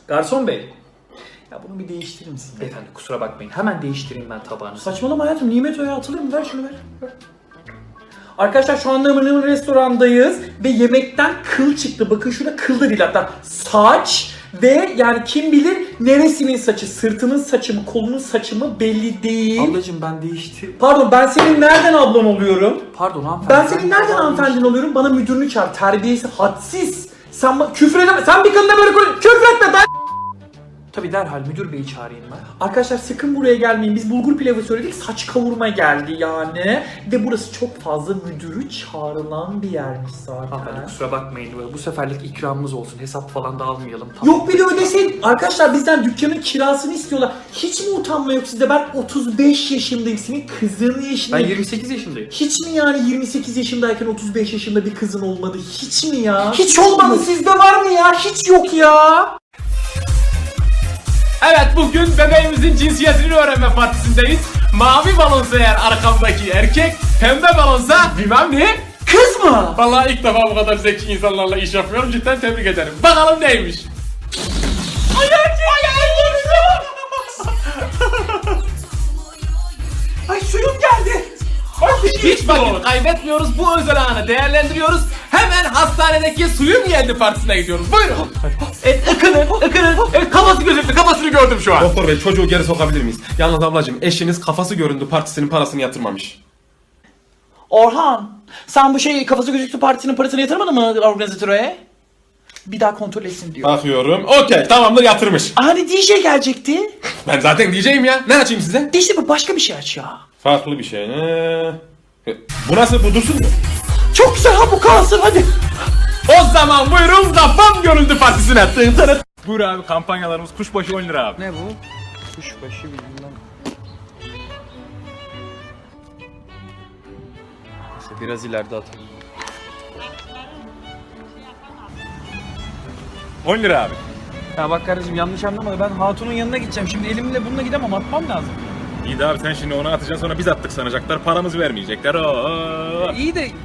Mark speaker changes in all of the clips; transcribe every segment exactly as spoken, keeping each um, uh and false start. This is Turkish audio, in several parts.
Speaker 1: Garson bey. Ya bunu bir değiştirir misin? Beyefendi kusura bakmayın. Hemen değiştireyim ben tabağını.
Speaker 2: Saçmalama hayatım. Nimet Oya atılır mı? Ver şunu ver. ver. Arkadaşlar şu anda Mırnımır restorandayız ve yemekten kıl çıktı. Bakın şurada kıl da değil hatta saç ve yani kim bilir neresinin saçı, sırtının saçı mı, kolunun saçı mı belli değil.
Speaker 1: Ablacım ben değiştireyim.
Speaker 2: Pardon ben senin nereden ablan oluyorum?
Speaker 1: Pardon hanımefendi.
Speaker 2: Ben senin nereden hanımefendin oluyorum? Bana müdürünü çağır. Terbiyesi hadsiz. Sen ba- küfür edeme. Sen bir kadına böyle konuş. Küfür etme ben.
Speaker 1: Tabii derhal müdür beyi çağırayım ben.
Speaker 2: Arkadaşlar sakın buraya gelmeyin. Biz bulgur pilavı söyledik. Saç kavurma geldi yani. Ve burası çok fazla müdürü çağrılan bir yermiş zaten.
Speaker 1: Hanımefendi kusura bakmayın. Bu seferlik ikramımız olsun. Hesap falan da almayalım. Tamam.
Speaker 2: Yok bir de ödeseydin. Arkadaşlar bizden dükkanın kirasını istiyorlar. Hiç mi utanma yok sizde? Ben otuz beş yaşındayım. Senin kızın
Speaker 1: Ben
Speaker 2: yaşındayım.
Speaker 1: yirmi sekiz yaşındayım.
Speaker 2: Hiç mi yani yirmi sekiz yaşındayken otuz beş yaşında bir kızın olmadı? Hiç mi ya? Hiç olmadı. Sizde var mı ya? Hiç yok ya.
Speaker 3: Evet bugün bebeğimizin cinsiyetini öğrenme partisindeyiz. Mavi balonsa eğer arkamdaki erkek, pembe balonsa bilmem ne.
Speaker 2: Kız mı?
Speaker 3: Vallahi ilk defa bu kadar zeki insanlarla iş yapıyorum. Cidden tebrik ederim. Bakalım neymiş. Ay erkek!
Speaker 2: Ay suyum geldi.
Speaker 3: Hiç vakit kaybetmiyoruz. Bu özel anı değerlendiriyoruz. Hemen hastanedeki suyum geldi partisine gidiyoruz. Buyurun. Evet, ıkının, ıkının. Evet, kafası gözüktü. Kafasını gördüm şu an.
Speaker 4: Doktor bey çocuğu geri sokabilir miyiz? Yalnız ablacığım eşiniz kafası göründü partisinin parasını yatırmamış.
Speaker 2: Orhan, sen bu şey kafası gözüktü partisinin parasını yatırmadın mı organizatöre? Bir daha kontrol etsin diyor.
Speaker 4: Bakıyorum. Okey tamamdır yatırmış.
Speaker 2: Hani D J gelecekti.
Speaker 4: Ben zaten diyeceğim ya. Ne açayım size?
Speaker 2: İşte bu başka bir şey aç ya.
Speaker 4: Farklı bir şey. Ee, bu nasıl? Bu dursun mu?
Speaker 2: Çok güzel ha bu kalsın hadi.
Speaker 3: O zaman buyurun kafam görüldü partisine. Tın tın. Buyur abi kampanyalarımız kuşbaşı on lira abi.
Speaker 1: Ne bu? Kuşbaşı bilmem. Neyse biraz ileride atalım.
Speaker 3: on lira abi.
Speaker 1: Ya bak kardeşim yanlış anlama da ben hatunun yanına gideceğim. Şimdi elimle bununla gidemem, atmam lazım.
Speaker 3: İyi de abi sen şimdi onu atacaksın sonra biz attık sanacaklar. Paramızı vermeyecekler. Oo.
Speaker 1: İyi de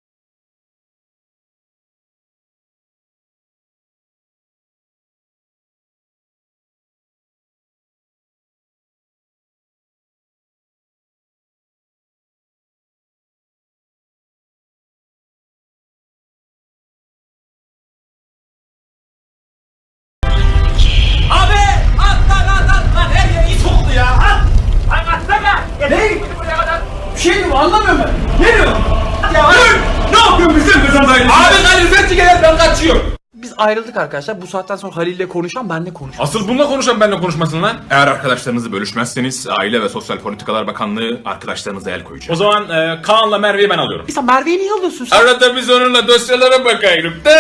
Speaker 3: Abi at lan at at lan her yer it oldu ya at. Ay atsana.
Speaker 2: Ne? Bir şey mi anlamıyorum ben. Ne diyor?
Speaker 3: Ya dur. Ne yapıyorsun bizim kızımdayız? Abi Halil Fethi gel ben kaçıyorum.
Speaker 1: biz ayrıldık arkadaşlar. Bu saatten sonra Halil'le konuşan benle konuşmam.
Speaker 4: Asıl bununla konuşan benimle konuşmasın lan. Eğer arkadaşlarınızı bölüşmezseniz Aile ve Sosyal Politikalar Bakanlığı arkadaşlarınıza el koyacak.
Speaker 3: O zaman e, Kaan'la Merve'yi ben alıyorum.
Speaker 2: Sen Merve'yi niye alıyorsun sen?
Speaker 4: Arada biz onunla dosyalara bakayım da.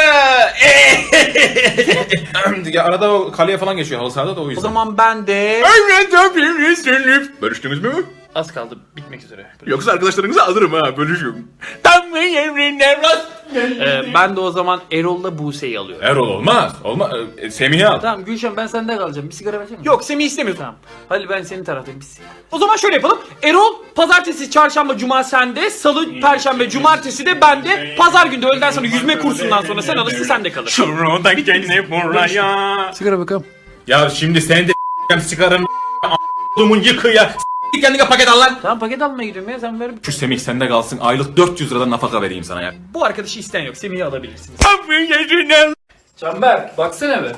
Speaker 4: Ya arada o kaleye falan geçiyor halı sahada da o yüzden.
Speaker 1: O zaman ben de...
Speaker 4: Bölüştünüz mü?
Speaker 1: Az kaldı bitmek üzere.
Speaker 4: Yoksa arkadaşlarınızı alırım ha bölüşüyorum. Tam mı emrin evlat?
Speaker 1: Ee, ben de o zaman Erol'la Buse'yi alıyorum.
Speaker 4: Erol olmaz. Olmaz. E, Semih'i al.
Speaker 1: Tamam Gülşen ben sende kalacağım. Bir sigara versene.
Speaker 2: Yok Semih istemiyor.
Speaker 1: Tamam. Halil ben senin taraftayım. Bir sigara.
Speaker 2: O zaman şöyle yapalım. Erol pazartesi, çarşamba, cuma sende, salı, perşembe, cumartesi de bende. Pazar günü de öğleden sonra yüzme kursundan sonra sen alırsın sen de kalır.
Speaker 3: Şuradan gene buraya.
Speaker 1: Sigara bakalım.
Speaker 4: Ya şimdi sen de çıkarın a**dumun yıkı ya. S**t kendine paket al lan.
Speaker 1: Tamam paket almaya gidiyorum ya sen ver.
Speaker 4: Şu Semih sende kalsın. Aylık dört yüz liradan nafaka vereyim sana ya.
Speaker 2: Bu arkadaşı isteyen yok. Semih'i alabilirsiniz.
Speaker 1: Canberk baksana be.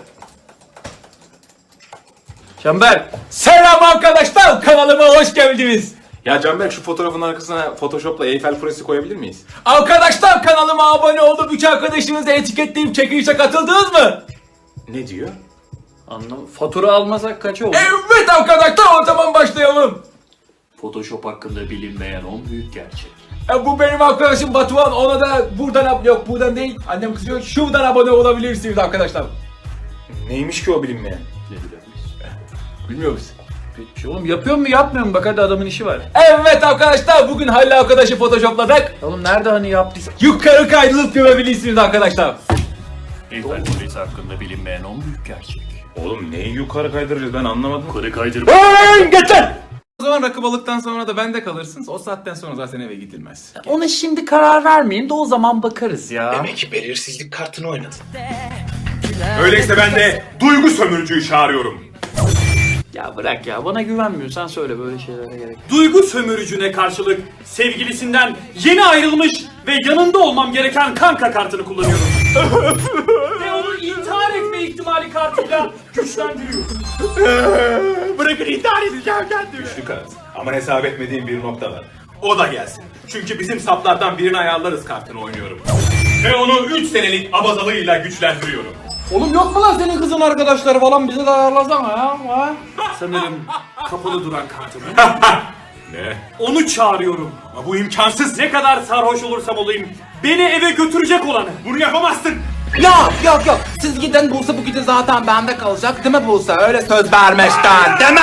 Speaker 1: Canberk.
Speaker 3: Selam arkadaşlar kanalıma hoş geldiniz.
Speaker 4: Ya Canberk şu fotoğrafın arkasına Photoshop'la Eyfel Kulesi koyabilir miyiz?
Speaker 3: Arkadaşlar kanalıma abone olup üç arkadaşınızı etiketleyip çekilişe katıldınız mı?
Speaker 4: Ne diyor?
Speaker 1: Anlam. Fatura almasak kaç oldu?
Speaker 3: Evet arkadaşlar o zaman başlayalım.
Speaker 1: Photoshop hakkında bilinmeyen on büyük gerçek.
Speaker 3: E, bu benim arkadaşım Batuhan ona da buradan ab- yok buradan değil annem kızıyor şuradan abone olabilirsiniz arkadaşlar.
Speaker 4: Neymiş ki o bilinmeyen?
Speaker 1: Ne bilemeyiz.
Speaker 3: Bilmiyor musun?
Speaker 1: Bir şey oğlum yapıyor mu yapmıyor mu? Bak hadi adamın işi var.
Speaker 3: Evet arkadaşlar bugün Halil arkadaşı photoshopladık.
Speaker 1: Oğlum nerede hani yaptıysa?
Speaker 3: Yukarı kaydırıp görebilirsiniz arkadaşlar.
Speaker 1: Eyfel Kulesi hakkında bilinmeyen on büyük gerçek.
Speaker 4: Oğlum neyi yukarı kaydıracağız ben anlamadım.
Speaker 1: Yukarı kaydırıp...
Speaker 3: Geçen.
Speaker 4: O zaman rakı balıktan sonra da bende kalırsınız. O saatten sonra zaten eve gidilmez.
Speaker 1: Ona şimdi karar vermeyin de o zaman bakarız ya.
Speaker 5: Demek ki belirsizlik kartını oynadın.
Speaker 4: Öyleyse ben de duygu sömürücüyü çağırıyorum.
Speaker 1: Ya bırak ya, bana güvenmiyorsan söyle, böyle şeylere gerek.
Speaker 2: Duygu sömürücüne karşılık sevgilisinden yeni ayrılmış ve yanında olmam gereken kanka kartını kullanıyorum. Ve onu intihar etme ihtimali kartıyla güçlendiriyorum.
Speaker 4: Bırakın intihar edeceğim kendim. Güçlü kart. Ama hesap etmediğim bir nokta var. O da gelsin. Çünkü bizim saplardan birini ayarlarız kartını oynuyorum. Ve onu üç senelik abazalığıyla güçlendiriyorum.
Speaker 3: Oğlum yok mu lan senin kızın arkadaşları falan, bize de ayarlasana ya. Ha?
Speaker 2: Sanırım kapalı duran kartımı.
Speaker 4: Ne?
Speaker 2: Onu çağırıyorum.
Speaker 4: Ama bu imkansız.
Speaker 2: Ne kadar sarhoş olursam olayım beni eve götürecek olanı.
Speaker 4: Bunu yapamazsın.
Speaker 3: Yok yok yok, siz giden Buse bu gece zaten bende kalacak değil mi Buse? Öyle söz vermişten değil mi?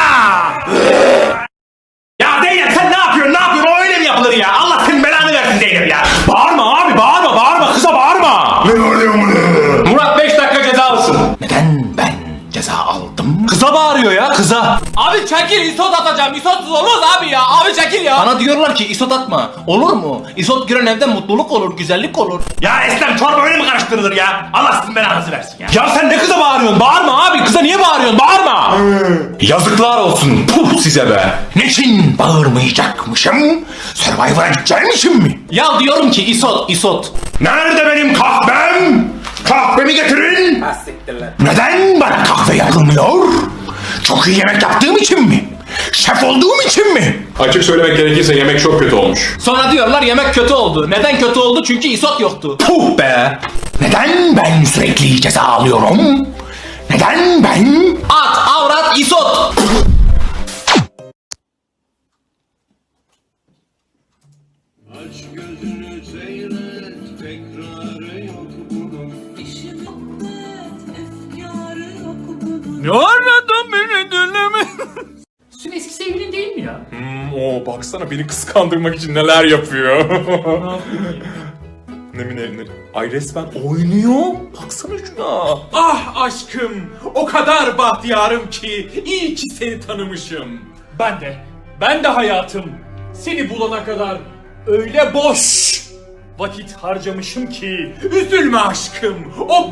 Speaker 4: Ya Zeynep sen ne yapıyorsun? Ne yapıyorsun? O öyle mi yapılır ya? Allah senin belanı versin Zeynep ya. Bağırma abi, bağırma, bağırma. Kıza bağırma. Ne bağırıyor bunu?
Speaker 3: Murat beş dakika cezalısın. Neden ben ceza aldım?
Speaker 4: Kıza bağırıyor ya, kıza.
Speaker 3: Abi çekil, isot atacağım. İsotsuz olmaz abi ya. Abi çekil ya. Bana diyorlar ki isot atma. Olur mu? İsot giren evde mutluluk olur, güzellik olur.
Speaker 4: Ya Eslem, çorba öyle mi karıştırılır ya? Allah sizin belanızı versin ya. Ya sen ne kıza bağırıyorsun? Bağırma abi, kıza niye bağırıyorsun? Bağırma. Yazıklar olsun. Puh size be.
Speaker 5: Niçin bağırmayacakmışım? Survivor'a gideceğim için mi?
Speaker 3: Ya diyorum ki isot, isot.
Speaker 5: Nerede benim kahvem? Kahvemi getirin. Neden bana kahve yapılmıyor? Çok iyi yemek yaptığım için mi? Şef olduğum için mi?
Speaker 4: Açık söylemek gerekirse yemek çok kötü olmuş.
Speaker 3: Sonra diyorlar yemek kötü oldu. Neden kötü oldu? Çünkü isot yoktu.
Speaker 5: Puh be! Neden ben sürekli ceza alıyorum? Neden ben?
Speaker 3: At, avrat, isot.
Speaker 6: Aç gözünü seyret, tekrarı yok bunun. İşi bitmez, efkarı yok bunun.
Speaker 2: Ne aradın beni dinleme?
Speaker 1: Senin eski sevgilin değil mi ya?
Speaker 4: Hmm, oo baksana beni kıskandırmak için neler yapıyor. ne mi ne, ne? Ay resmen oynuyor. Baksana şuna.
Speaker 2: Ah aşkım, o kadar bahtiyarım ki iyi ki seni tanımışım. Ben de, ben de hayatım seni bulana kadar öyle boş vakit harcamışım ki üzülme aşkım, o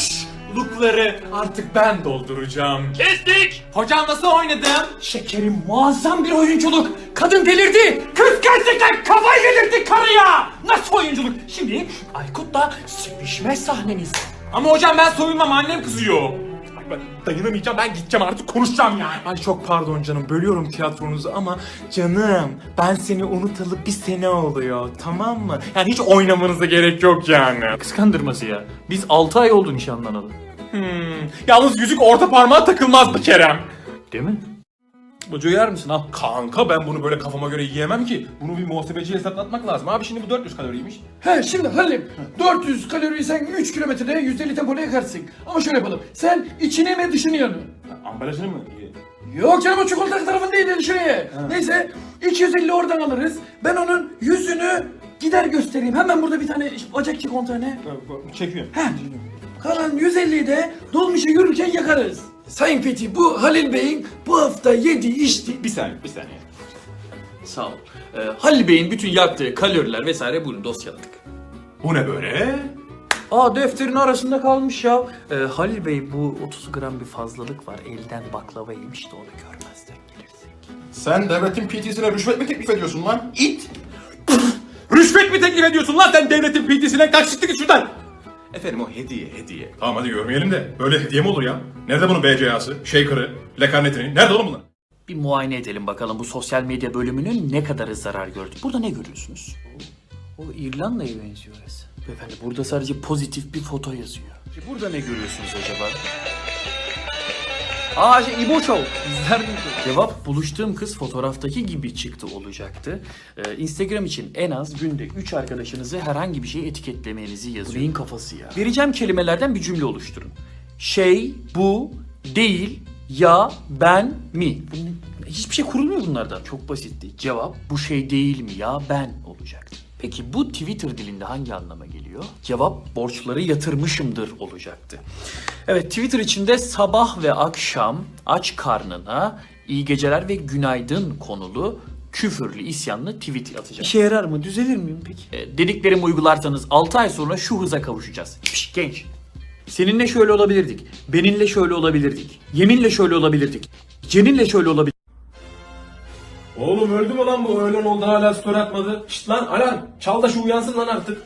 Speaker 2: boşlukları artık ben dolduracağım. Kestik! Hocam nasıl oynadım? Şekerim, muazzam bir oyunculuk. Kadın delirdi. Kız gerçekten kafayı yedirdi karıya. Nasıl oyunculuk? Şimdi Aykut'la sevişme sahneniz. Ama hocam ben soyunmam, annem kızıyor. Ay ben dayanamayacağım, ben gideceğim artık, konuşacağım yani. Ay çok pardon canım, bölüyorum tiyatronuzu ama canım ben seni unutalı bir sene oluyor, tamam mı? Yani hiç oynamanıza gerek yok yani.
Speaker 1: Kıskandırması ya. Biz altı ay oldu nişanlanalı.
Speaker 2: Hmm. Yalnız yüzük orta parmağa takılmaz mı Kerem?
Speaker 1: Değil mi?
Speaker 2: Bucu yer misin al?
Speaker 4: Kanka ben bunu böyle kafama göre yiyemem ki. Bunu bir muhasebeciye hesaplatmak lazım. Abi şimdi bu dört yüz kaloriymiş.
Speaker 7: He şimdi Halim dört yüz kaloriyi sen üç kilometrede yüz elli tempoda yakarsın. Ama şöyle yapalım. Sen içini mi dışını yanı?
Speaker 4: Ambalajını mı?
Speaker 7: Yok canım, o çikolata tarafındaydı, dışını ye. Neyse iki yüz elli oradan alırız. Ben onun yüzünü gider göstereyim. Hemen burada bir tane bacak çikolatane.
Speaker 4: Çekiyor.
Speaker 7: He. Kalan yüz elliyi de dolmuşa yürürken yakarız. Sayın Fethi, bu Halil Bey'in bu hafta yediği içti.
Speaker 4: Bir saniye, bir saniye.
Speaker 1: Sağ ol. Ee, Halil Bey'in bütün yaktığı kaloriler vesaire buyurun dosyaladık.
Speaker 4: Bu ne böyle?
Speaker 1: Aa, defterin arasında kalmış ya. Ee, Halil Bey, bu otuz gram bir fazlalık var. Elden baklava yemiş de onu görmezden gelirsek.
Speaker 5: Sen devletin P T'sine rüşvet mi teklif ediyorsun lan? İt!
Speaker 2: Rüşvet mi teklif ediyorsun lan sen devletin P T'sine? Kaç çıktı git şuradan.
Speaker 4: Efendim o hediye, hediye. Tamam hadi görmeyelim de. Böyle hediye mi olur ya? Nerede bunun B C A'sı, shaker'ı, lekarnetini? Nerede oğlum bunlar?
Speaker 1: Bir muayene edelim bakalım bu sosyal medya bölümünün ne kadarı zarar gördü. Burada ne görüyorsunuz? O, o İrlanda'ya benziyor orası. Beyefendi, burada sadece pozitif bir foto yazıyor. Burada ne görüyorsunuz acaba? Aa, şey, İbo Show. İzler miydin? Cevap, buluştuğum kız fotoğraftaki gibi çıktı olacaktı. Ee, Instagram için en az günde üç arkadaşınızı herhangi bir şey etiketlemenizi yazıyor. Bu neyin kafası ya? Vereceğim kelimelerden bir cümle oluşturun. Şey, bu, değil, ya, ben, mi. Bunun, hiçbir şey kurulmuyor bunlardan. Çok basitti. Cevap, bu şey değil mi ya, ben olacaktı. Peki bu Twitter dilinde hangi anlama geliyor? Cevap, borçları yatırmışımdır olacaktı. Evet, Twitter içinde sabah ve akşam aç karnına iyi geceler ve günaydın konulu küfürlü, isyanlı tweet atacağım. İşe yarar mı? Düzelir miyim peki? E, dediklerimi uygularsanız altı ay sonra şu hıza kavuşacağız. Piş, genç. Seninle şöyle olabilirdik. Beninle şöyle olabilirdik. Yeminle şöyle olabilirdik. Ceninle şöyle olabilirdik.
Speaker 3: Oğlum öldü mü lan bu? Öğlen oldu hala story atmadı. Şşt lan alarm. Çal da şu uyansın lan artık.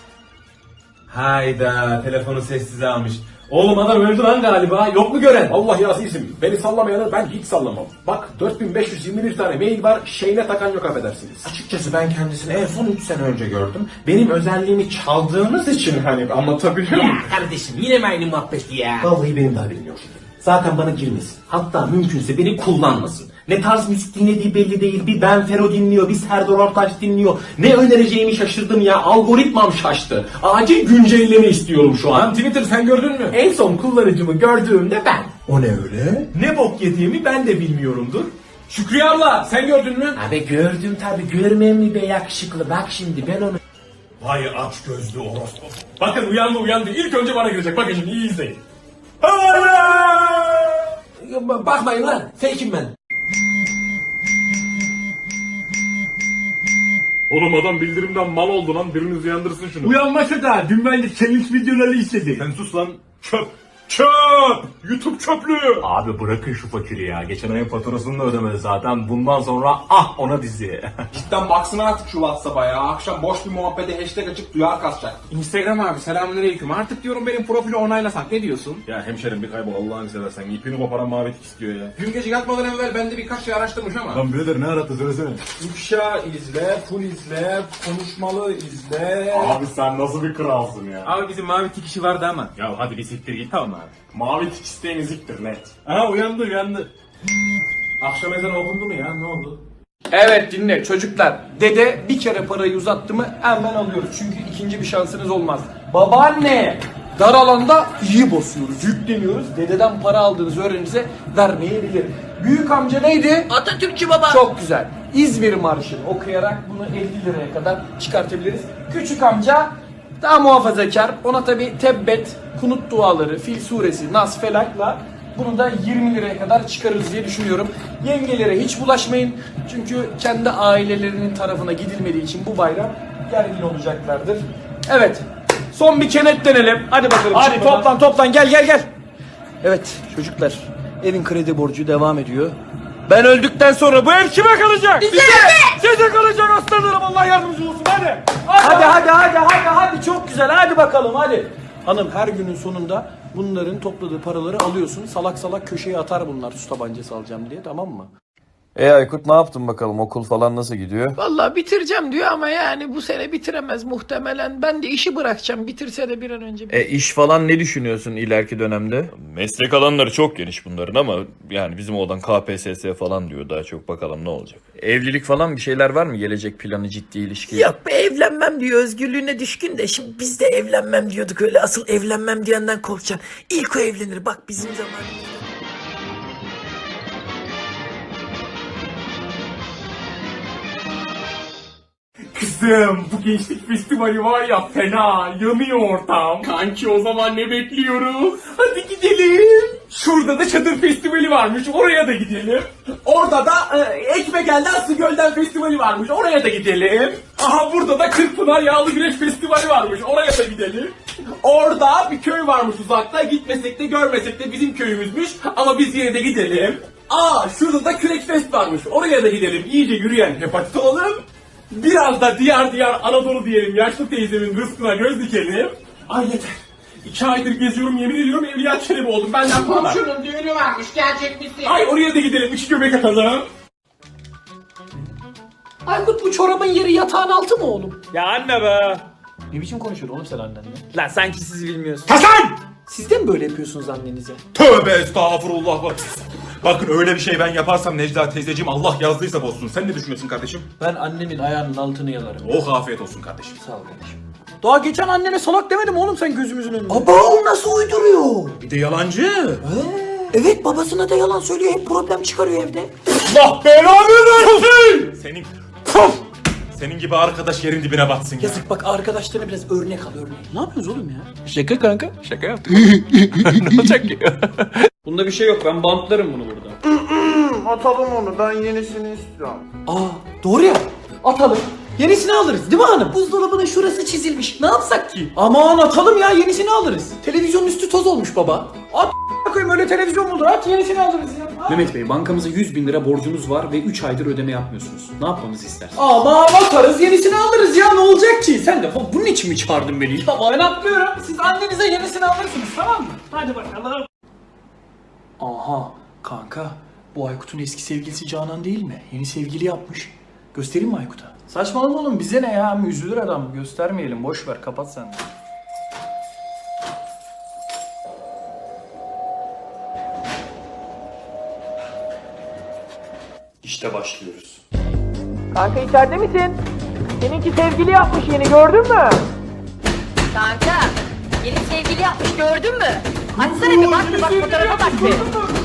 Speaker 3: Hayda telefonu sessize almış. Oğlum adam öldü lan galiba. Yok mu gören?
Speaker 8: Allah yazıyım. Beni sallamayanı ben hiç sallamam. Bak dört bin beş yüz yirmi bir tane mail var. Şeyine takan yok affedersiniz.
Speaker 3: Açıkçası ben kendisini en son üç sene önce gördüm. Benim özelliğimi çaldığınız için hani anlatabiliyor muyum?
Speaker 8: Kardeşim yine mi aynı muhabbet ya? Vallahi benim de haberim yok. Zaten bana girmesin. Hatta mümkünse beni kullanmasın. Ne tarz müzik dinlediği belli değil. Bir Ben Fero dinliyor, bir Serdar Ortaç dinliyor. Ne önereceğimi şaşırdım ya. Algoritmam şaştı. Acil güncelleme istiyorum şu an.
Speaker 3: Lan Twitter sen gördün mü?
Speaker 8: En son kullanıcımı gördüğümde ben.
Speaker 3: O ne öyle? Ne bok yediğimi ben de bilmiyorumdur. Şükriye abla sen gördün mü?
Speaker 8: Abi gördüm tabi. Görmem mi be yakışıklı. Bak şimdi ben onu...
Speaker 3: Vay aç gözlü orospu. Bakın uyandı uyandı. İlk önce bana girecek. Bakın şimdi iyi izleyin.
Speaker 8: Bakmayın lan. Fake'im ben.
Speaker 4: Oğlum adam bildirimden mal oldu lan. Biriniz uyandırsın şunu.
Speaker 3: Uyanmasa da dün bence challenge videoları istedi.
Speaker 4: Sen sus lan. Çöp. Çöp. YouTube çöplüğü.
Speaker 9: Abi bırakın şu fakiri ya. Geçen ayın faturasını da ödemedi zaten. Bundan sonra ah ona dizi.
Speaker 8: Cidden baksana artık şu WhatsApp'a ya. Akşam boş bir muhabbete hashtag açıp duyar kasacak.
Speaker 3: Instagram abi selamünaleyküm. Artık diyorum benim profili onaylasak ne diyorsun?
Speaker 4: Ya hemşerim bir kaybol Allah'ını seversen. İpini koparan mavi tik istiyor ya.
Speaker 8: Dün gece yatmadan evvel ben de birkaç şey araştırmış ama.
Speaker 4: Lan birader ne arattı söylesene.
Speaker 8: İfşa izle, full izle, konuşmalı izle.
Speaker 9: Abi sen nasıl bir kralsın ya.
Speaker 3: Abi bizim mavi tik işi vardı ama.
Speaker 9: Ya hadi bir siktir git tamam abi. Mavi tik isteyen eziktir net.
Speaker 4: Aha uyandı uyandı.
Speaker 8: Akşam ezanı okundu mu ya? Ne oldu?
Speaker 2: Evet dinle çocuklar. Dede bir kere parayı uzattı mı hemen alıyoruz. Çünkü ikinci bir şansınız olmaz. Babaanne dar alanda iyi basıyoruz, yükleniyoruz. Dededen para aldığınız öğreninize vermeyebilir. Büyük amca neydi? Atatürkçü baba. Çok güzel. İzmir Marşı'nı okuyarak bunu elli liraya kadar çıkartabiliriz. Küçük amca daha muhafazakar. Ona tabi tebbet, kunut duaları, Fil suresi, Nas, Felak'la bunu da yirmi liraya kadar çıkarırız diye düşünüyorum. Yengelere hiç bulaşmayın. Çünkü kendi ailelerinin tarafına gidilmediği için bu bayram gergin olacaklardır. Evet. Son bir kenetlenelim. Hadi bakalım. Hadi çıkmadan. toplan toplan gel gel gel. Evet çocuklar. Evin kredi borcu devam ediyor. Ben öldükten sonra bu ev kime kalacak? Bize! Size kalacak aslanlarım. Allah yardımcı olsun hadi. Hadi hadi hadi hadi hadi çok güzel hadi bakalım hadi. Hanım her günün sonunda bunların topladığı paraları alıyorsun. Salak salak köşeye atar bunlar su tabancası alacağım diye, tamam mı?
Speaker 1: E Aykut ne yaptın bakalım, okul falan nasıl gidiyor?
Speaker 10: Vallahi bitireceğim diyor ama yani bu sene bitiremez muhtemelen. Ben de işi bırakacağım. Bitirse de bir an önce.
Speaker 1: E iş falan ne düşünüyorsun ileriki dönemde?
Speaker 11: Meslek alanları çok geniş bunların ama yani bizim oğlan K P S S falan diyor, daha çok bakalım ne olacak.
Speaker 1: Evlilik falan bir şeyler var mı? Gelecek planı, ciddi ilişki?
Speaker 10: Yok be, evlenmem diyor, özgürlüğüne düşkün de şimdi biz de evlenmem diyorduk, öyle asıl evlenmem diyenden korkacaksın. İlk o evlenir bak bizim zamanımızda.
Speaker 3: Kızım bu gençlik festivali var ya, fena yanıyor ortam. Kanki o zaman ne bekliyoruz? Hadi gidelim. Şurada da çadır festivali varmış, oraya da gidelim. Orada da e, Ekmegel'den Aslıgöl'den festivali varmış, oraya da gidelim. Aha burada da Kırkpınar Yağlı Güreş festivali varmış, oraya da gidelim. Orada bir köy varmış uzakta, gitmesek de görmesek de bizim köyümüzmüş ama biz yine de gidelim. Aa şurada da Kürek Fest varmış, oraya da gidelim. İyice yürüyen hepatit olalım. Biraz da diyar diyar Anadolu diyelim, yaşlı teyzemin rızkına göz dikelim. Ay yeter. İki aydır geziyorum, yemin ediyorum Evliya Çelebi oldum. Benden falan.
Speaker 6: Şunun düğünü varmış, gelecek misin?
Speaker 3: Ay oraya da gidelim, iki göbek atalım.
Speaker 10: Aykut bu çorabın yeri yatağın altı mı oğlum?
Speaker 3: Ya anne be.
Speaker 2: Ne biçim konuşuyorsun oğlum sen annenle?
Speaker 3: Lan sanki siz bilmiyorsunuz.
Speaker 4: Hasan!
Speaker 2: Siz de mi böyle yapıyorsunuz annenize?
Speaker 4: Tövbe estağfurullah. Bak. Bakın öyle bir şey ben yaparsam Necla teyzeciğim Allah yazdıysa bozsun. Sen ne düşünüyorsun kardeşim?
Speaker 2: Ben annemin ayağının altını yalarım.
Speaker 4: Oh afiyet olsun kardeşim.
Speaker 2: Sağ ol kardeşim. Daha geçen annene salak demedim oğlum sen gözümüzün önünde.
Speaker 10: Baba o nasıl uyduruyor?
Speaker 4: Bir de yalancı.
Speaker 10: Evet babasına da yalan söylüyor, hep problem çıkarıyor evde.
Speaker 4: Allah belanı versin. Senin Puf! Senin gibi arkadaş yerin dibine batsın ya.
Speaker 2: Yazık bak, arkadaşlarına biraz örnek al örnek. Ne yapıyorsunuz oğlum ya?
Speaker 1: Şaka kanka, şaka yaptık. Ne olacak ki?
Speaker 2: Bunda bir şey yok, ben bantlarım bunu burada.
Speaker 1: Atalım onu, ben yenisini istiyorum.
Speaker 2: Aa doğru ya, atalım. Yenisini alırız değil mi hanım?
Speaker 10: Buzdolabının şurası çizilmiş. Ne yapsak ki?
Speaker 2: Aman atalım ya, yenisini alırız. Televizyonun üstü toz olmuş baba. At koyayım, öyle televizyon mu olur? At, yenisini alırız ya. At.
Speaker 3: Mehmet Bey, bankamıza yüz bin lira borcunuz var ve üç aydır ödeme yapmıyorsunuz. Ne yapmamızı istersiniz?
Speaker 2: Aman atarız, yenisini alırız ya, ne olacak ki? Sen de bunun için mi çağırdın beni? Tamam, ben atlıyorum. Siz annenize yenisini alırsınız, tamam mı? Hadi bakalım. Aha kanka, bu Aykut'un eski sevgilisi Canan değil mi? Yeni sevgili yapmış. Göstereyim mi Aykut'a? Saçmalama oğlum, bize ne ya? Üzülür adam. Göstermeyelim, boş ver, kapat sen de.
Speaker 1: İşte başlıyoruz.
Speaker 2: Kanka içeride misin? Seninki sevgili yapmış yeni, gördün mü?
Speaker 12: Kanka, yeni sevgili yapmış gördün mü? Açsana bir bak bir bak fotoğrafa bak bir.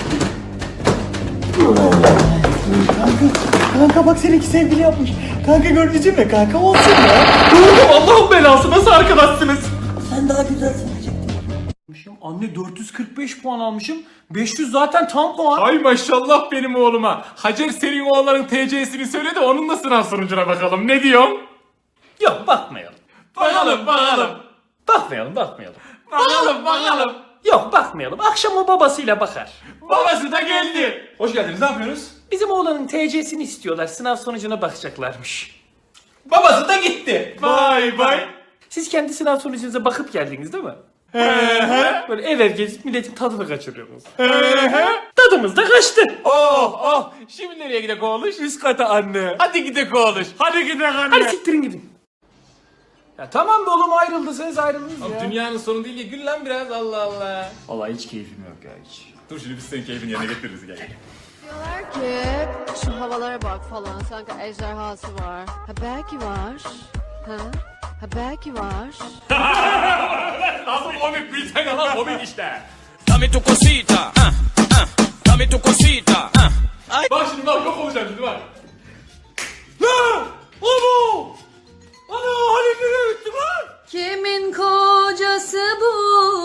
Speaker 2: Kanka bak, seninki sevgili yapmış. Kanka gördün mü kanka, olsun ya. Gördüm, Allah'ın belası, nasıl arkadaşsınız?
Speaker 10: Sen daha güzelsin.
Speaker 2: Anne dört yüz kırk beş puan almışım. beş yüz zaten tam puan.
Speaker 3: Ay maşallah benim oğluma. Hacer senin oğlanın T C'sini söyle de onun da sınav sonucuna bakalım. Ne diyorsun?
Speaker 2: Yok, bakmayalım.
Speaker 3: Bakalım bakalım.
Speaker 2: Bakmayalım, bakmayalım.
Speaker 3: Bakalım bakalım.
Speaker 2: Yok, bakmayalım. Akşam o babasıyla bakar.
Speaker 3: Babası da geldi. Hoş geldiniz, ne yapıyorsunuz?
Speaker 2: Bizim oğlanın T C'sini istiyorlar. Sınav sonucuna bakacaklarmış.
Speaker 3: Babası da gitti. Vay vay.
Speaker 2: Siz kendi sınav sonucunuza bakıp geldiniz değil mi? Böyle ev ev gezip milletin tadını kaçırıyorsunuz. Tadımız da kaçtı.
Speaker 3: Oh oh. Şimdi nereye gidek oğluş?
Speaker 2: Üst kata anne.
Speaker 3: Hadi gidek oğluş. Hadi gidek anne.
Speaker 2: Hadi siktirin gidin. Ya tamam be oğlum, ayrıldınız ayrıldınız ya.
Speaker 3: Dünyanın sonu değil ya, gül lan biraz, Allah Allah.
Speaker 2: Vallahi hiç keyfim yok ya, hiç.
Speaker 3: Dur şimdi biz senin keyfini yerine getiririz, gel.
Speaker 12: Diyorlar ki şu havalara bak falan sanki ejderhası var. Ha belki var. Ha? Ha belki var.
Speaker 3: Nasıl komik bir tane lan, komik işte.
Speaker 13: Dame tu cosita, ah, ah, dame tu cosita, ah.
Speaker 3: Bak şimdi bak, yok olacağım şimdi bak.
Speaker 2: Lan! Ana! Ana! Hani nereye gitti lan?
Speaker 12: Kimin kocası bu?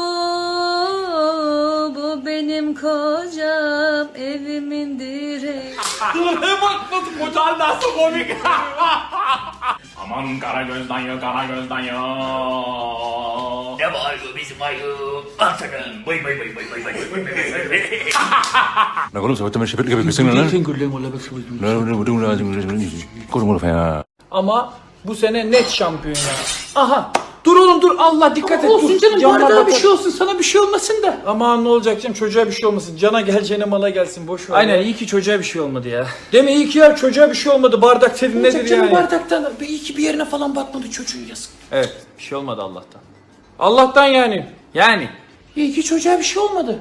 Speaker 12: Bu benim kocam, evimin direği.
Speaker 3: Dur bak nasıl kocan nasıl komik. Aman kara gözden ya, kara gözden ya.
Speaker 10: Ne var bizim ayı? Artanın. Bay bay bay bay bay bay.
Speaker 5: 나 그럼 저부터 셰프를 개백했으면 나
Speaker 2: Ama bu sene net şampiyon ya. Aha! Dur oğlum dur, Allah dikkat et.
Speaker 10: olsun
Speaker 2: dur.
Speaker 10: canım,
Speaker 2: Canına
Speaker 10: bardağa
Speaker 2: bir
Speaker 10: bak.
Speaker 2: şey olsun, sana bir şey olmasın da. Aman ne olacak canım, çocuğa bir şey olmasın. Cana geleceğine mala gelsin, boş ver. Aynen, iyi ki çocuğa bir şey olmadı ya. Değil mi, iyi ki ya, çocuğa bir şey olmadı. Bardak senin nedir
Speaker 10: Canım
Speaker 2: yani?
Speaker 10: bardaktan iyi ki bir yerine falan batmadı çocuğun, yazık.
Speaker 2: Evet, bir şey olmadı Allah'tan. Allah'tan yani. Yani. İyi ki çocuğa bir şey olmadı.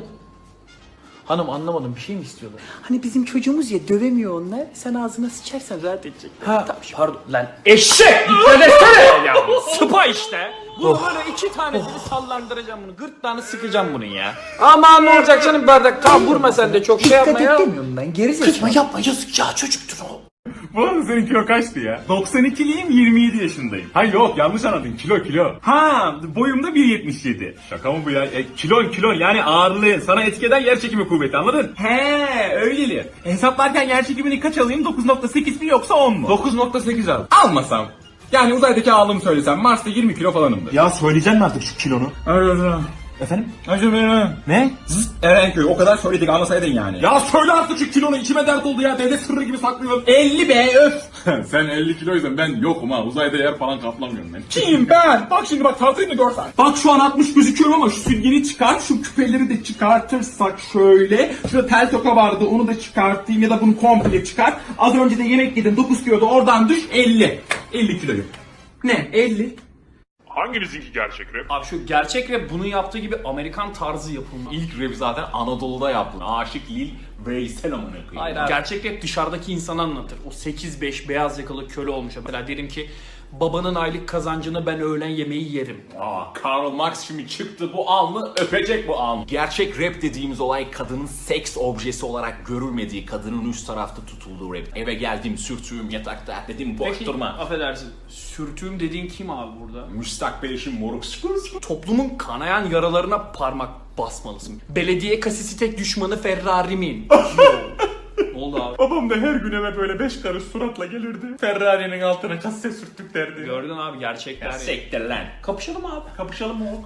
Speaker 2: Hanım anlamadım, bir şey mi istiyorlar?
Speaker 10: Hani bizim çocuğumuz ya, dövemiyor onlar. Sen ağzına sıçarsan rahat edecek.
Speaker 2: Ha, pardon lan eşek! Dikkat etsene ya! Sıpa işte! Bunu böyle iki tanesini sallandıracağım bunu. Gırtlağını sıkacağım bunun ya. Aman ne olacak canım, bardak. Tamam, vurma sen de çok şey yapma ya.
Speaker 10: demiyorum ben, geri zekalı.
Speaker 2: Kızma, yapma, yazık ya, çocuktur o.
Speaker 3: Bu arada senin kilo kaçtı ya? doksan ikiliyim, yirmi yedi yaşındayım. Ha yok, yanlış anladın, kilo kilo. Ha, boyumda bir yetmiş yedi. Şaka mı bu ya? E, kilon kilon yani ağırlığın sana etki eden yer çekimi kuvveti, anladın? He öyleli. Hesaplarken yer çekimini kaç alayım? dokuz nokta sekiz mi yoksa on mu? dokuz nokta sekiz al. Almasam. Yani uzaydaki ağırlığımı söylesem Mars'ta yirmi kilo falanımdır.
Speaker 5: Ya söyleyeceksin mi artık şu kilonu?
Speaker 3: Efendim? Ne? Zıt Erenköy, o kadar söyledik, anlasaydın yani. Ya söyle artık şu kilonu, içime dert oldu ya, devlet sırrı gibi saklıyorum. elli be öf. Sen elli kiloysan ben yokum ha, uzayda yer falan kaplamıyorum ben. Kim ben? Bak şimdi bak, tartayım mı görsen. Bak şu an altmış gözüküyorum ama şu süngeni çıkar, şu küpeleri de çıkartırsak şöyle. Şurada tel toka vardı, onu da çıkartayım ya da bunu komple çıkar. Az önce de yemek yedim, dokuz kiloda, oradan düş elli. elli kiloyum. Ne? elli.
Speaker 5: Hanginizinki gerçek rap?
Speaker 2: Abi şu gerçek rap bunun yaptığı gibi Amerikan tarzı yapılma.
Speaker 3: İlk rap zaten Anadolu'da yaptı. Aşık Lil Veysel amına koyayım.
Speaker 2: Hayır abi. Gerçek rap dışarıdaki insanı anlatır. O sekiz beş beyaz yakalı köle olmuş. Mesela derim ki babanın aylık kazancını ben öğlen yemeği yerim.
Speaker 3: Aa, Karl Marx şimdi çıktı, bu alnı öpecek bu alnı. Gerçek rap dediğimiz olay kadının seks objesi olarak görülmediği, kadının üst tarafta tutulduğu rap. Eve geldim, sürtüğüm yatakta, dedim boş
Speaker 2: Peki,
Speaker 3: durma.
Speaker 2: affedersin. Sürtüğüm dediğin kim abi burada?
Speaker 3: Müstakbel eşim moruk.
Speaker 2: Toplumun kanayan yaralarına parmak basmalısın. Belediye kasisi tek düşmanı Ferrari'min. oldu abi?
Speaker 3: Babam da her gün eve böyle beş karış suratla gelirdi. Ferrari'nin altına kasse sürttük derdi.
Speaker 2: Gördün abi gerçekler. Ya,
Speaker 3: sektir lan.
Speaker 2: kapışalım abi.
Speaker 3: Kapışalım mı oğlum?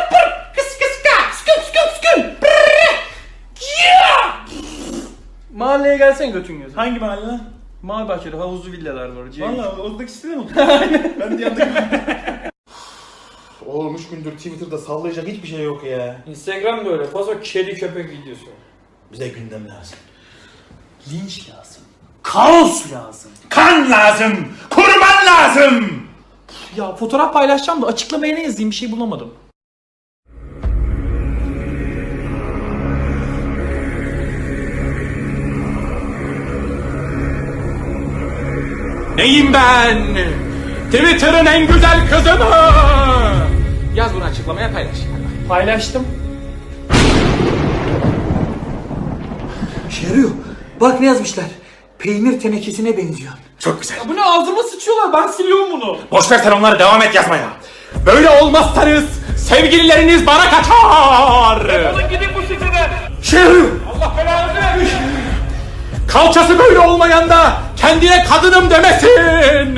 Speaker 2: Mahalleye gelsen götün gözü.
Speaker 3: Hangi mahalle lan?
Speaker 2: Mavi Bahçe'de havuzlu villalar var.
Speaker 3: Valla oradaki sitede mi? Ben de yandık. Oğlum üç gündür Twitter'da sallayacak hiçbir şey yok ya.
Speaker 2: Instagram böyle fazla kedi köpek videosu.
Speaker 3: Bize gündem lazım.
Speaker 2: Linç lazım. Kaos lazım.
Speaker 5: Kan lazım. Kurban lazım.
Speaker 2: Ya fotoğraf paylaşacağım da açıklamaya ne yazayım bir şey bulamadım.
Speaker 3: Neyim ben? Twitter'ın en güzel kızı mı? Yaz bunu açıklamaya paylaş.
Speaker 2: Paylaştım.
Speaker 10: İşe yarıyor. Bak ne yazmışlar. Peynir tenekesine benziyor.
Speaker 5: Çok güzel.
Speaker 2: Ya bu ne ağzıma sıçıyorlar ben siliyorum bunu.
Speaker 5: Boşver sen onları devam et yazmaya.
Speaker 3: Böyle olmazsanız sevgilileriniz bana kaçar.
Speaker 2: Defolun gidin bu siteden.
Speaker 5: İşe yarıyor.
Speaker 3: Allah belanı vermiş. Kalçası böyle olmayan da kendine kadınım demesin.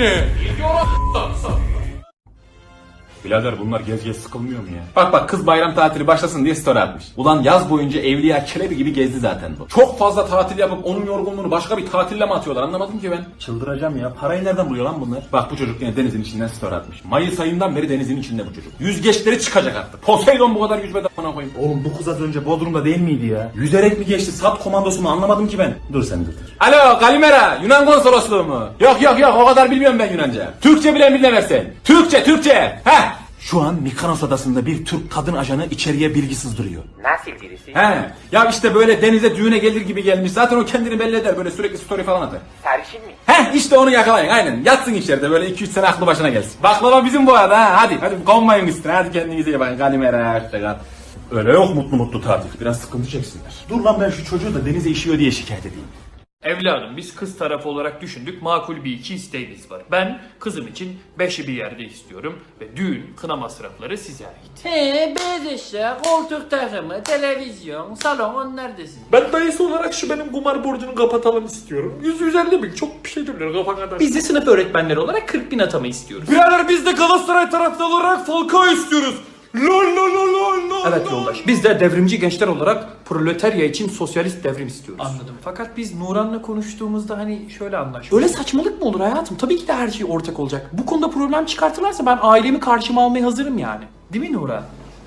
Speaker 9: Birader bunlar gez gez sıkılmıyor mu ya?
Speaker 8: Bak bak kız bayram tatili başlasın diye story atmış. Ulan yaz boyunca Evliya Çelebi gibi gezdi zaten bu. Çok fazla tatil yapıp onun yorgunluğunu başka bir tatille mi atıyorlar anlamadım ki ben. Çıldıracağım ya. Parayı nereden buluyor lan bunlar? Bak bu çocuk yine denizin içinden story atmış. Mayıs ayından beri denizin içinde bu çocuk. Yüzgeçleri çıkacak artık. Poseidon bu kadar yüzmeden bana koyayım. Oğlum bu kız az önce Bodrum'da değil miydi ya? Yüzerek mi geçti? Sat komandosu mu anlamadım ki ben. Dur sen dur.
Speaker 3: Alo Kalimera Yunan konsolosluğu mu? Yok yok yok o kadar bilmiyorum ben Yunanca. Türkçe bilen biline versen. Türkçe Türkçe. Heh.
Speaker 8: Şu an Mikanos adasında bir Türk kadın ajanı içeriye bilgi sızdırıyor.
Speaker 6: Nasıl birisi?
Speaker 8: He. Ya işte böyle denize düğüne gelir gibi gelmiş. Zaten o kendini belli eder. Böyle sürekli story falan atar.
Speaker 6: Sarışın mı?
Speaker 8: He işte onu yakalayın aynen. Yatsın içeride böyle iki üç sene aklı başına gelsin. Baklava bizim bu arada ha. Hadi hadi konmayın üstüne. Hadi kendinize iyi bakın. Kalimera hoşçakal. Öyle yok mutlu mutlu tatil. Biraz sıkıntı çeksinler. Dur lan ben şu çocuğu da denize işiyor diye şikayet edeyim.
Speaker 1: Evladım biz kız tarafı olarak düşündük makul bir iki isteğimiz var. Ben kızım için beşi bir yerde istiyorum ve düğün kına masrafları size ait.
Speaker 10: He beyaz eşya, koltuk takımı, televizyon, salon onlar desin.
Speaker 3: Ben dayısı olarak şu benim kumar borcunu kapatalım istiyorum. yüz yüz elli bin çok bir şey diyorlar kafa kadar.
Speaker 2: Biz de sınıf öğretmenleri olarak kırk bin atama istiyoruz.
Speaker 3: Birader biz de Galatasaray taraftarı olarak Falcao istiyoruz. Lol lol lol lol lol.
Speaker 2: Evet yoldaş. Biz de devrimci gençler olarak proletarya için sosyalist devrim istiyoruz.
Speaker 1: Anladım. Fakat biz Nuran'la konuştuğumuzda hani şöyle anlaştık.
Speaker 2: Böyle saçmalık mı olur hayatım? Tabii ki de her şey ortak olacak. Bu konuda problem çıkartırlarsa ben ailemi karşıma almaya hazırım yani.
Speaker 1: Değil mi Nuran?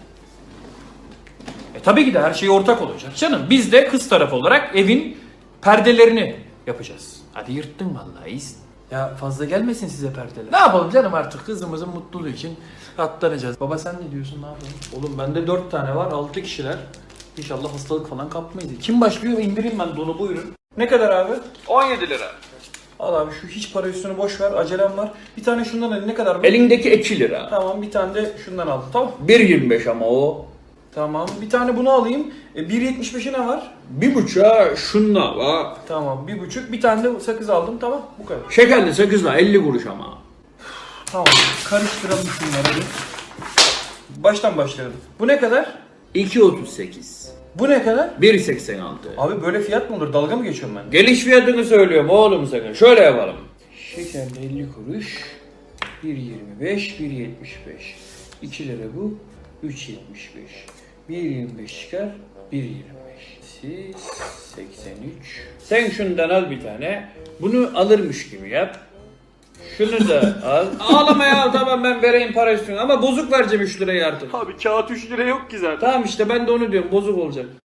Speaker 2: E tabii ki de her şey ortak olacak. Canım biz de kız tarafı olarak evin perdelerini yapacağız.
Speaker 1: Hadi yırttın vallahi iyisin. Ya fazla gelmesin size perdeler.
Speaker 2: Ne yapalım canım artık kızımızın mutluluğu için katlanacağız.
Speaker 1: Baba sen ne diyorsun ne yapalım?
Speaker 2: Oğlum bende dört tane var, altı kişiler. İnşallah hastalık falan kapmayız. Kim başlıyor? İndireyim ben donu buyurun. Ne kadar abi?
Speaker 1: on yedi lira.
Speaker 2: Al abi şu hiç para üstünü boş ver. Acelem var. Bir tane şundan al. Ne kadar mı?
Speaker 1: Elindeki iki lira.
Speaker 2: Tamam bir tane de şundan al. Tamam.
Speaker 1: bir yirmi beş ama o.
Speaker 2: Tamam. Bir tane bunu alayım. E, bir yetmiş beşe ne var?
Speaker 1: Bir buçuğa şunla var.
Speaker 2: Tamam. Bir buçuk. Bir tane de sakız aldım. Tamam. Bu kadar.
Speaker 1: Şekerli sakızla elli kuruş ama.
Speaker 2: Tamam. Karıştıralım şunları bir. Baştan başlayalım. Bu ne kadar?
Speaker 1: iki otuz sekiz.
Speaker 2: Bu ne kadar?
Speaker 1: bir seksen altı.
Speaker 2: Abi böyle fiyat mı olur? Dalga mı geçiyorum ben?
Speaker 1: Geliş fiyatını söylüyorum oğlum sakın. Şöyle yapalım. Şekerli elli kuruş. bir yirmi beş, bir yetmiş beş. iki lira bu. üç yetmiş beş. bir yirmi beş çıkar. bir yirmi beş. Siz seksen üç. Sen şundan al bir tane. Bunu alırmış gibi yap. Şunu da al. Ağlama ya tamam ben vereyim para üstüne ama bozuk vereceğim üç lirayı artık.
Speaker 2: Abi kağıt üç lira yok ki zaten.
Speaker 1: Tamam işte ben de onu diyorum bozuk olacak.